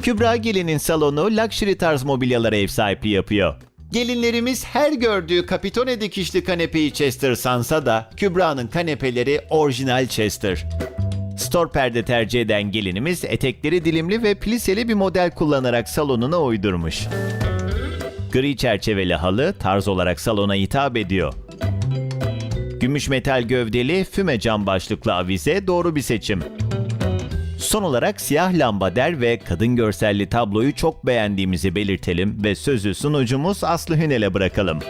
Kübra Gelin'in salonu luxury tarz mobilyalara ev sahipliği yapıyor. Gelinlerimiz her gördüğü Capitone dikişli kanepeyi Chester sansa da Kübra'nın kanepeleri orijinal Chester. Store perde tercih eden gelinimiz etekleri dilimli ve pliseli bir model kullanarak salonuna uydurmuş. Gri çerçeveli halı tarz olarak salona hitap ediyor. Gümüş metal gövdeli füme cam başlıklı avize doğru bir seçim. Son olarak siyah lambader ve kadın görselli tabloyu çok beğendiğimizi belirtelim ve sözü sunucumuz Aslı Hünel'e bırakalım.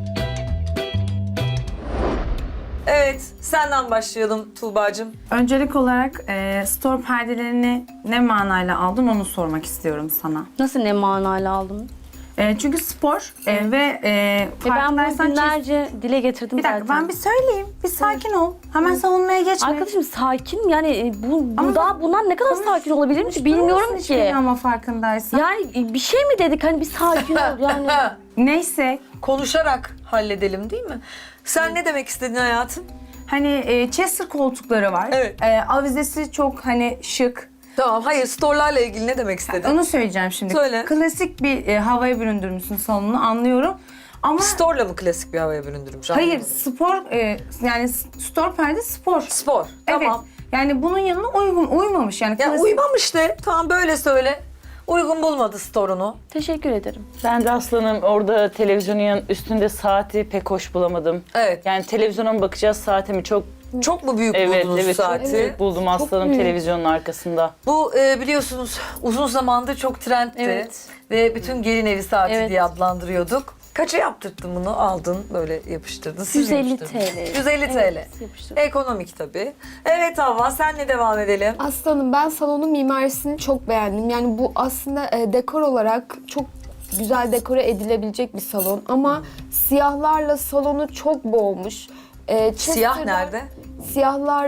Evet, senden başlayalım Tuğba'cığım. Öncelik olarak store perdelerini ne manayla aldın onu sormak istiyorum sana. Nasıl ne manayla aldım? Çünkü spor ve Ben bunu farkındaysan günlerce dile getirdim bir dakika zaten. ben bir söyleyeyim. Bir sakin ol. Hemen savunmaya geçme. Arkadaşım sakin yani Ama daha bundan ne kadar sakin olabilirim ki bilmiyorum ki. Ama farkındaysan. Yani bir şey mi dedik hani bir sakin ol yani. Neyse Konuşarak halledelim değil mi? Sen ne demek istedin hayatım? hani Chester koltukları var. Evet. Avizesi çok hani şık. Tamam, hayır storelarla ilgili ne demek istedin? Onu söyleyeceğim şimdi. Söyle. Klasik bir havaya büründürmüşsün salonunu anlıyorum. Ama Store'la mı klasik bir havaya büründürmüş? hayır Anlamadım. spor yani store perde spor. Spor, Evet. tamam. Yani bunun yanına uymamış yani. Ya klasik- uymamış de, tamam böyle söyle. Uygun bulmadı store'unu. Teşekkür ederim. Ben de aslanım orada televizyonun üstünde saati pek hoş bulamadım. Evet. Yani televizyona mı bakacağız saate mi çok Çok mu büyük evet buldunuz evet saati? çok büyük buldum aslanım büyük. televizyonun arkasında. Bu biliyorsunuz uzun zamandır çok trendti. Evet. Ve bütün gelin evi saati Evet. diye adlandırıyorduk. Kaça yaptırttın bunu? Aldın, böyle yapıştırdın. Siz 150 yapıştırdınız. TL. 150 TL. Evet, yapıştırdım. Ekonomik tabii. Evet Havva, senle devam edelim. Aslanım ben salonun mimarisini çok beğendim. Yani bu aslında dekor olarak çok güzel dekore edilebilecek bir salon. Ama siyahlarla salonu çok boğmuş. Siyah Chester'da- nerede? Siyahlar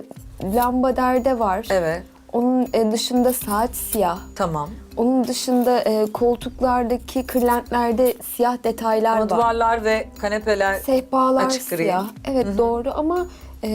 lambaderde var. Evet, Onun dışında saat siyah. tamam. Onun dışında koltuklardaki kırlentlerde siyah detaylar Ama var. duvarlar ve kanepeler Sehpalar açık gri. siyah. Evet doğru ama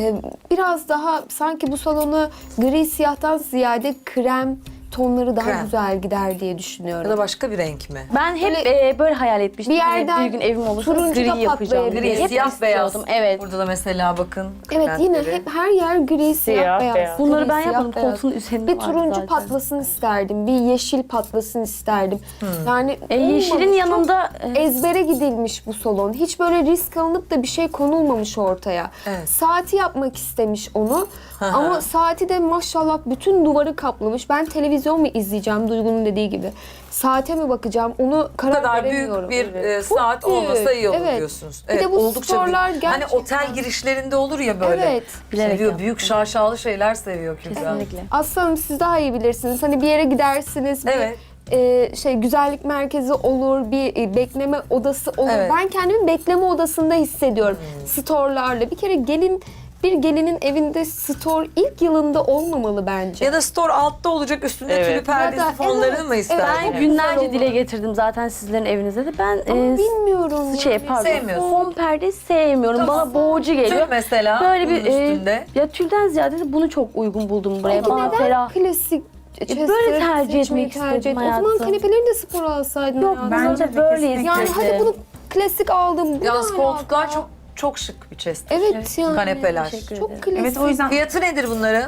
biraz daha sanki bu salona gri siyahtan ziyade krem tonları daha Krem. güzel gider diye Ya düşünüyorum. da başka bir renk mi? Ben hep böyle hayal etmiştim. Bir Hani yerden bir gün evim olursa turuncu da gri yapacağım. patlayabilir. Gri, Hep siyah beyaz. istiyordum, evet. Burada da mesela bakın. Evet yine krentleri. hep her yer gri siyah, Siyah, beyaz. beyaz. Bunları Gri, ben siyah, yapmadım. beyaz. Koltuğun üzerinde Bir vardı turuncu zaten. patlasın isterdim. Bir yeşil patlasın isterdim. Yani Yeşilin olmamış, yanında çok ezbere gidilmiş bu salon. Hiç böyle risk alınıp da bir şey konulmamış ortaya. Evet. Saati yapmak istemiş onu. hı. Ama saati de maşallah bütün duvarı kaplamış. Ben televizyon mu izleyeceğim Duygu'nun dediği gibi. Saate mi bakacağım onu Bu karar kadar veremiyorum. büyük bir Çok saat büyük, olmasa iyi olur evet. diyorsunuz. Bir de bu oldukça storelar büyük. Hani gerçekten- otel girişlerinde olur ya böyle. Evet. Bilerek Seviyor, yaptım. büyük şaşalı şeyler seviyor Kübra. kesinlikle. Aslanım siz daha iyi bilirsiniz. Hani bir yere gidersiniz. Evet. Güzellik merkezi olur, bir bekleme odası olur. Evet. Ben kendimi bekleme odasında hissediyorum. Store'larla. Bir kere bir gelinin evinde store ilk yılında olmamalı bence. Ya da store altta olacak, üstünde Evet. tülü perdesi Ya da- fonlarını evet, mı ister? evet. Ben Çok günlerce güzel dile olur. getirdim zaten sizlerin evinizde de. Ben Ama bilmiyorum. şey yani. pardon. Sevmiyorsun. Fon perde sevmiyorum. Tamam. Bana boğucu geliyor. Tül mesela Böyle bunun bir üstünde. ya tülden ziyade de bunu çok uygun buldum buraya. Peki Bana neden ferah. klasik Chester böyle tercih seçmeyi etmek istedim ettin? O zaman hayatım. kanepeleri de spor alsaydın. Yok hayatım. Bence bence de böyleyiz. kesinlikle. Yani hadi bunu klasik aldım. Bu Yalnız ne koltuklar alaka? çok şık bir chest. Evet yani. Kanepeler. Teşekkür Çok ederim. klasik. Evet o yüzden Fiyatı nedir bunların?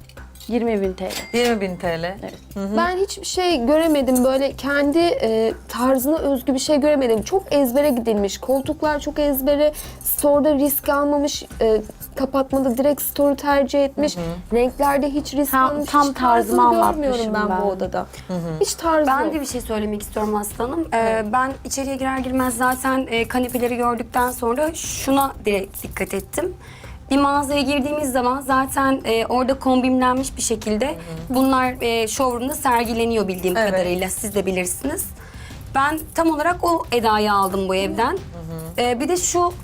20.000 TL. 20.000 TL. Ben hiçbir şey göremedim böyle kendi tarzına özgü bir şey göremedim. Çok ezbere gidilmiş. Koltuklar çok ezbere. Store'da risk almamış. Kapatmada direkt store'u tercih etmiş. Renklerde hiç risk Tam- almamış. tam Hiç tarzımı tarzını anlatmışım görmüyorum ben bu ben. odada. Hiç tarzı Ben yok. de bir şey söylemek istiyorum aslanım. Ben içeriye girer girmez zaten kanepeleri gördükten sonra şuna direkt dikkat ettim. Bir mağazaya girdiğimiz zaman zaten orada kombinlenmiş bir şekilde bunlar showroom'da sergileniyor bildiğim Evet. kadarıyla. Siz de bilirsiniz. Ben tam olarak o edayı aldım bu evden. Bir de şu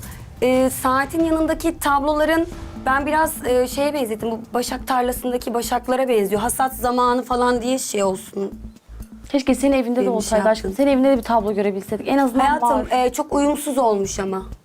saatin yanındaki tabloların ben biraz şeye benzettim. Bu başak tarlasındaki başaklara benziyor. Hasat zamanı falan diye şey olsun. Keşke senin evinde de Benim olsaydı şey aşkım. Senin evinde de bir tablo görebilseydik. En azından var. Hayatım çok uyumsuz olmuş ama.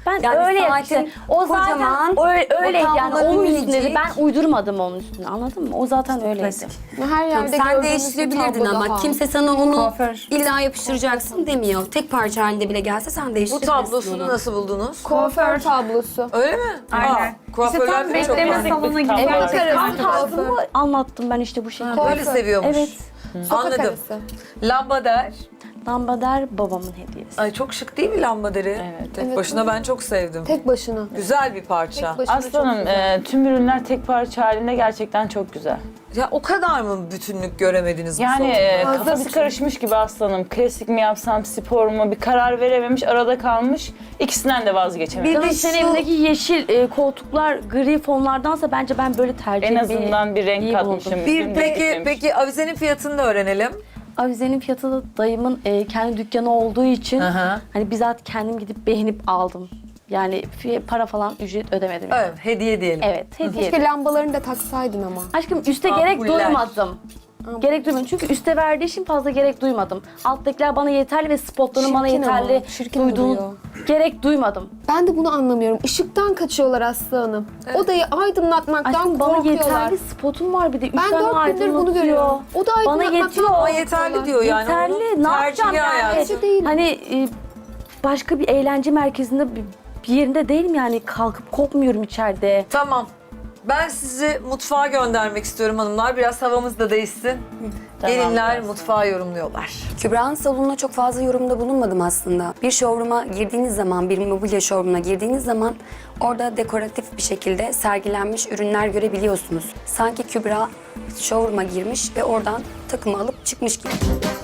Ben Yani öyle saatin işte. O zaten kocaman, öyleydi o yani tabloların onun üstünde. minicik. Ben uydurmadım onun üstüne, anladın mı? O zaten öyleydi. Her yerde Sen gördüğümüz bir değiştirebilirdin tablo ama daha. kimse sana onu Kuaför. illa yapıştıracaksın demiyor. Tek parça halinde bile gelse sen Bu değiştirebilirsin tablosunu onu. nasıl buldunuz? Kuaför tablosu. Öyle mi? Aynen. Kuaförler İşte de tam çok bekleme var. salonuna Evet, gibi gerçekten. Tam tarzımı anlattım ben işte bu şekilde. Böyle seviyormuş. Evet. Sokak Anladım. arası. Lambader. Lambader babamın hediyesi. Ay çok şık değil mi lambaderi? Evet. Tek Evet, başına ben çok sevdim. Tek başına. Güzel bir parça. Tek başına Aslanım çok güzel. tüm ürünler tek parça halinde gerçekten çok güzel. Ya o kadar mı bütünlük göremediniz bu Yani salonda? kafası karışmış gibi aslanım. Klasik mi yapsam, spor mu? Bir karar verememiş, arada kalmış. İkisinden de vazgeçememiş. Canım de senin şu- evindeki yeşil koltuklar gri fonlardansa bence ben böyle tercih En azından bir renk iyi katmışım. buldum. Bir peki avizenin fiyatını da öğrenelim. Avizenin fiyatı da dayımın kendi dükkanı olduğu için Aha. hani bizzat kendim gidip beğenip aldım. Yani para falan ücret ödemedim. Yani. Evet, hediye diyelim. Evet, hediye. Keşke lambalarını da taksaydın ama. Aşkım üste gerek Ampuller. duymadım. Gerek duymadım çünkü üste verdiği için fazla gerek duymadım. Alttakiler bana yeterli ve spotların bana Çirkin ama, yeterli çirkin duyduğun duruyor. gerek duymadım. Ben de bunu anlamıyorum. Işıktan kaçıyorlar Aslı Hanım. Odayı aydınlatmaktan Aşkım bana korkuyorlar. yeterli spotum var bir de. Üç Ben tane 4 gündür bunu aydınlatıyor. görüyorum. O da Bana aydınlatmaktan yetiyor. Ama yeterli diyor yani. Yeterli. Onun Ne yapacağım tercihi yani? hayatım. Bence değil. Hani başka bir eğlence merkezinde bir yerinde değilim yani. Kalkıp kopmuyorum içeride. Tamam. Ben sizi mutfağa göndermek istiyorum hanımlar. Biraz havamız da değişsin. Gelinler mutfağı yorumluyorlar. Kübra'nın salonuna çok fazla yorumda bulunmadım aslında. Bir showroom'a girdiğiniz zaman, bir mobilya showroom'una girdiğiniz zaman orada dekoratif bir şekilde sergilenmiş ürünler görebiliyorsunuz. Sanki Kübra showroom'a girmiş ve oradan takımı alıp çıkmış gibi.